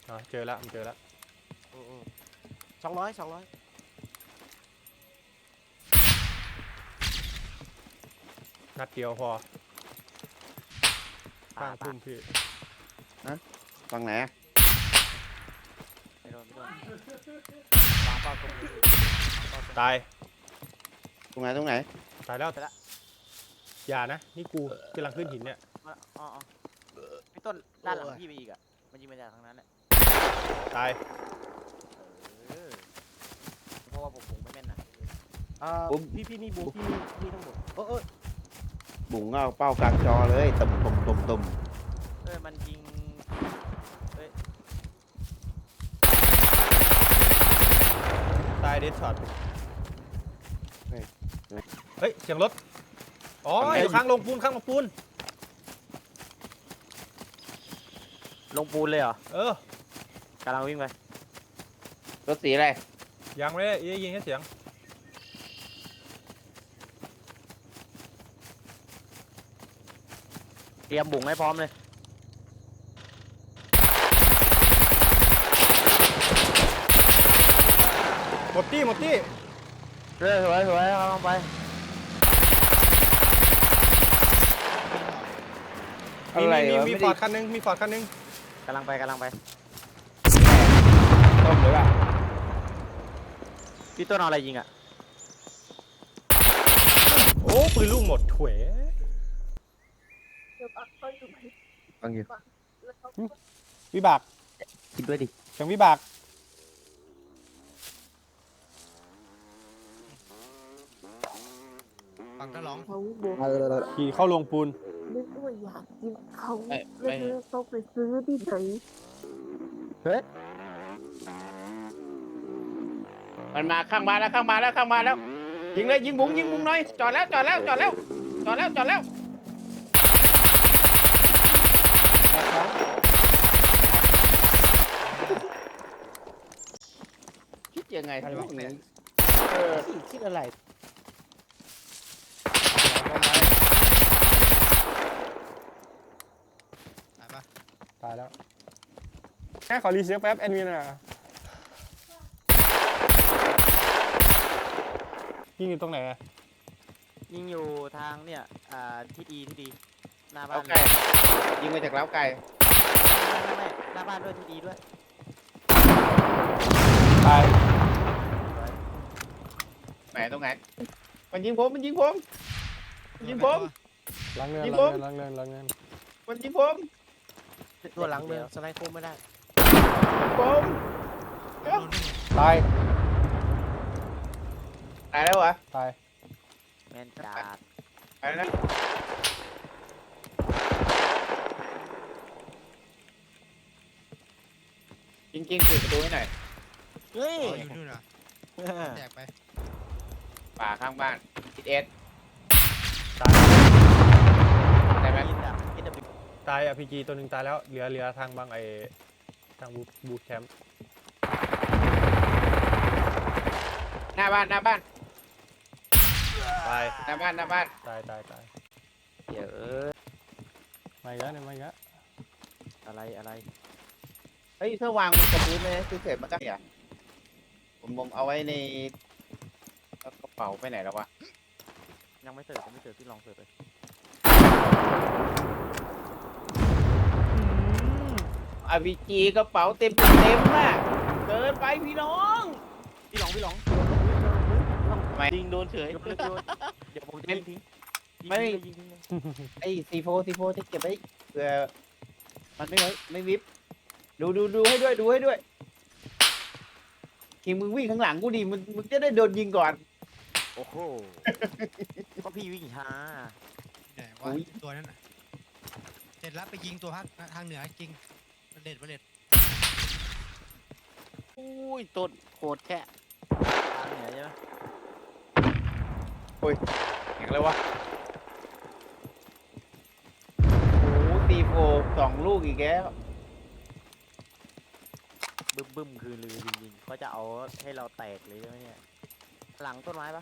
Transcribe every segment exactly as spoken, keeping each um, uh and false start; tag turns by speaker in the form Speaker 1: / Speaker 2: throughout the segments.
Speaker 1: อ๋อเจอแล้วมันเจอแล้ว
Speaker 2: สองร้อยสองร้อย
Speaker 1: นัดเดียวพอข้างพุ่มพี่
Speaker 3: ฝั่งไหน
Speaker 2: ไม่โดนไม่โดนวางเป้าตรงนี้วางเป้าตรง
Speaker 1: ตาย
Speaker 3: ตรงไหนตรงไหน
Speaker 1: ตายแล้วอย่านะนี่กูกำลังขึ้นหินเนี่ย
Speaker 2: อ๋ออ๋อพี่ต้นด้านหลังพี่ไปอีกอ่ะมันยิงมาจากทางนั้นแหละ
Speaker 1: ตาย
Speaker 2: เออเพราะว่าผมผมไม่แม่นนะเอ่อพี่พี่นี่บูพี่พี่ต้องบุกเออเออ
Speaker 3: บุ๋งเอาเป้ากลางจอเลยตุ่มตุ่มตุ่มตุ่ม
Speaker 2: เออมันยิงเอ้ย
Speaker 1: ตายเดดช็อตเฮ้ยเสียงรถอ๋ออยู่ข้างลงปูนข้างลงปูน
Speaker 2: ลงปูนเลยเหรอ
Speaker 1: เออก
Speaker 2: ำลังวิ่งไป
Speaker 3: รถสีอะไร
Speaker 1: ยังไม่ได้ยิงแค่เสียง
Speaker 2: เตรียมบุ๋งให้พร้อมเลย
Speaker 1: หมดที่หมดที่
Speaker 2: เรื่อยสวยสวยเอาลงไป
Speaker 1: มี
Speaker 3: อะไร
Speaker 1: มี
Speaker 3: วะ
Speaker 1: มี
Speaker 3: ไม่
Speaker 1: ฟอ
Speaker 3: ได้
Speaker 1: ร์ดคันนึงมีฟอร์ดคันนึง
Speaker 2: กำลังไปกำลังไป
Speaker 3: ต้มหรือเปล่า
Speaker 2: พี่ต้นเอาอะไรยิงอ่ะ
Speaker 1: โอ้ปืนลูกหมดถวย
Speaker 3: ฟังอยู่
Speaker 1: วิบาก
Speaker 3: คิดด้วยดิ
Speaker 1: เสียงวิบาก
Speaker 4: ฟังก็ร้อง
Speaker 5: เขาบอก
Speaker 1: ขี่เข้าลงปูน
Speaker 5: นึกว่าอยากกินเขาแล้วเธอต้องไปซื้อที่ไหน
Speaker 3: มันมาข้างมาแล้วข้างมาแล้วข้างมาแล้วยิงเลยยิงบุ๋งยิงบุ๋งหน่อยจอดแล้วจอดแล้วจอดแล้วจอดแล้วจอดแล้วคิดยังไงพวกนี้เออคิดอะไร
Speaker 4: ตายปะ
Speaker 1: ตายแล้วแค่ขอรีเซ็ตแป๊บแอดมินอ่ะยิงอยู่ตรงไหนอะ
Speaker 2: ยิงอยู่ทางเนี่ยอ่าที่ดีที่ดีหน้าบ้า
Speaker 3: เล้าน ไก่ยิงมาจากเล้าไก่
Speaker 2: ไม่ไม่ไม่หน้าบ้านด้วยที่ดีด้วย
Speaker 1: ตาย
Speaker 3: ไหนตรงไหนมันยิงผมมันยิงผมมันยิงผม
Speaker 1: ล้างเงิน
Speaker 3: ยิง
Speaker 1: ล้าง
Speaker 3: ผม
Speaker 1: เงินล้างเงินล้างเงิน
Speaker 3: มันยิงผม
Speaker 2: ตัวหลังเมืองสไลด์โค้งไม่ได้
Speaker 3: ผม
Speaker 4: โดนนี่
Speaker 1: ตาย
Speaker 3: ตายแล้วเหรอ
Speaker 1: ตาย
Speaker 2: แมนจัด
Speaker 3: ไปแล้วจริงๆปิดประตูให้หน่อย
Speaker 2: เฮ้ย
Speaker 4: อ๋ออยู่นู่นเหรอแตกไป
Speaker 3: ป่าข้างบ้านทิศเอส
Speaker 1: ตาย
Speaker 3: ได้ไหม
Speaker 2: ยินอ่ะยินอ่ะ
Speaker 1: ตายอะพีจีตัวหนึ่งตายแล้วเหลือเหลือทางบางไอทางบูบูทแคมป์
Speaker 3: หน้าบ้านหน้าบ้าน
Speaker 1: ตาย
Speaker 3: หน้าบ้านหน้าบ้าน
Speaker 1: ตายตายตาย
Speaker 2: เดี๋ยวเออ
Speaker 1: มาอีกแล้วเนี่ยมาอีกแล้ว
Speaker 2: อะไรอะไร
Speaker 3: เฮ้ยถ้าวางบนกระพื้นเลยคือเสร็จมันก็เนี่ยผมผมเอาไว้ในกระเป๋าไปไหนแล้ววะ
Speaker 2: ยังไม่เสิร์ฟยังไม่เสิร์ฟพี่ลองเสิร์ฟเลย
Speaker 3: อาวีจีกระเป๋าเต็มเต็มมากเกินไปพี่น้อง
Speaker 2: พี่ลองพี่ลอง
Speaker 3: ทำไมยิงโดนเฉย
Speaker 2: โยนโยนเดี๋ยวผมจะยิงทิ้ง
Speaker 3: ไม่
Speaker 2: ยิงทิ้งเลย
Speaker 3: ไอ้ซีโฟซีโฟที่เก็บไว้เผื่อมันไม่ไว้ไม่วิบดูดูดูให้ด้วยดูให้ด้วยทีมึงวิ่งข้างหลังกูดิมึงมึงจะได้โดนยิงก่อน
Speaker 2: โอ้โหเพราะพี่วิ่งช้า
Speaker 4: ไหนวะตัวนั้นน่ะเสร็จแล้วไปยิงตัวภาคทางเหนือจริงประเด็ดประเด็ด
Speaker 2: อุ้ยต้นโคตรแค่ทางเหนือใช่ไหม
Speaker 3: อย่างไรวะโอ้ซีโฟสองลูกอีกแล้ว
Speaker 2: บึ้มบึ้มคือลือจริงๆเขาจะเอาให้เราแตกเลยใช่ไหมเนี่ยหลังต้นไม้ปะ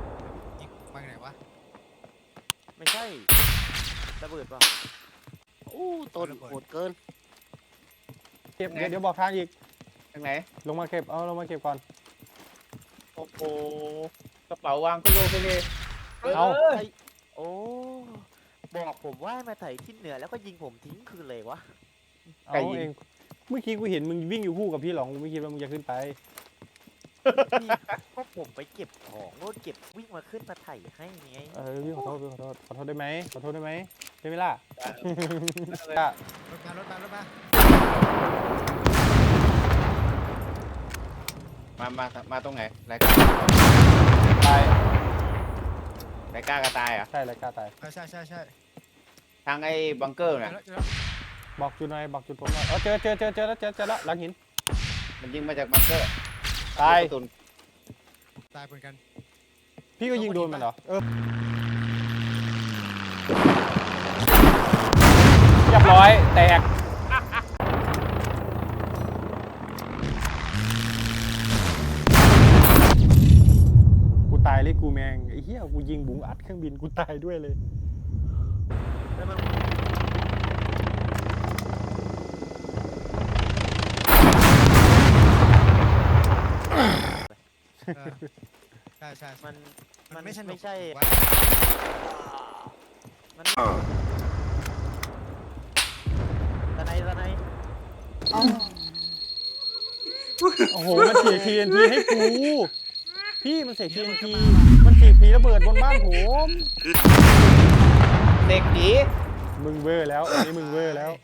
Speaker 4: ยิงมาไหนวะ
Speaker 2: ไม่ใช่ระเบิดปะ
Speaker 3: โอ้
Speaker 2: โอ้ต้นโหดเกิน
Speaker 1: เก็บเดี๋ยวเดี๋ยวบอกทางอีก
Speaker 3: ทางไหน
Speaker 1: ลงมาเก็บเอาลงมาเก็บก่อน
Speaker 3: โอ้โหกระเป๋าวางขึ้นโลกไปเลย
Speaker 1: เอา
Speaker 2: ไอ้โอ้บอกผมว่าให้มาไถที่เหนือแล้วก็ยิงผมทิ้งคืนเลยวะ
Speaker 1: เอาเองเมื่อกี้กูเห็นมึงวิ่งอยู่คู่กับพี่หลองกูไม่คิดว่ามึงจะขึ้นไป
Speaker 2: พี่ก็ผมไปเก็บของโน่นเก็บวิ่งมาขึ้นมาไถให้ไง
Speaker 1: เออพี่ขอโทษพี่ขอโทษขอโทษได้ไหมขอโทษได้ไหมได้ไหมล่ะ
Speaker 4: รถมารถมารถมา
Speaker 3: มามามาตรงไหนรายการ
Speaker 1: ตาย
Speaker 3: รายการกระตายอ่ะ
Speaker 1: ใช่เลยกล้าตาย
Speaker 4: ใช่ใช่ใช่ใช่
Speaker 3: ทางไอ้บังเกอร์
Speaker 4: เจอ
Speaker 3: น่ะ
Speaker 4: แล้วเจอแล้ว
Speaker 1: บอกจุดหน่อยบอกจุดผมหน่อยเออเจอเจอเจอเจอแล้วเจอเจอแล้วหลังหิน
Speaker 3: มันยิงมาจากบังเกอร์
Speaker 1: ตาย
Speaker 3: กระสุน
Speaker 4: ตายเหมือนกัน
Speaker 1: พี่ก็ยิงโดนมันเหรอเออเรียบร้อยแตกกูตายเลยกูแมงไอ้เหี้ยกูยิงบุ๋งอัดเครื่องบินกูตายด้วยเลย
Speaker 2: แล้วมัน
Speaker 4: เออใช่ใช่ใช่
Speaker 2: มัน
Speaker 4: มั
Speaker 2: มัน น
Speaker 4: ไม่
Speaker 2: ไม่
Speaker 4: สนุก
Speaker 2: ใช่
Speaker 4: ผมว่า
Speaker 2: มันตะไนตะไน
Speaker 1: โอ้โหมันเสีย ที เอ็น ที ให้กูพี่มันเสีย ที เอ็น ที มันเสียผีระเบิดบนบ้านผม
Speaker 3: เด็กดี
Speaker 1: มึงเวอร์แล้วอันนี้มึงเวอร์แล้ว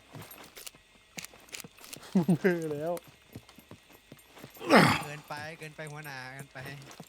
Speaker 1: มึงเวอร์แล้ว
Speaker 4: เกินไปเกินไปหัวหน้าเกินไป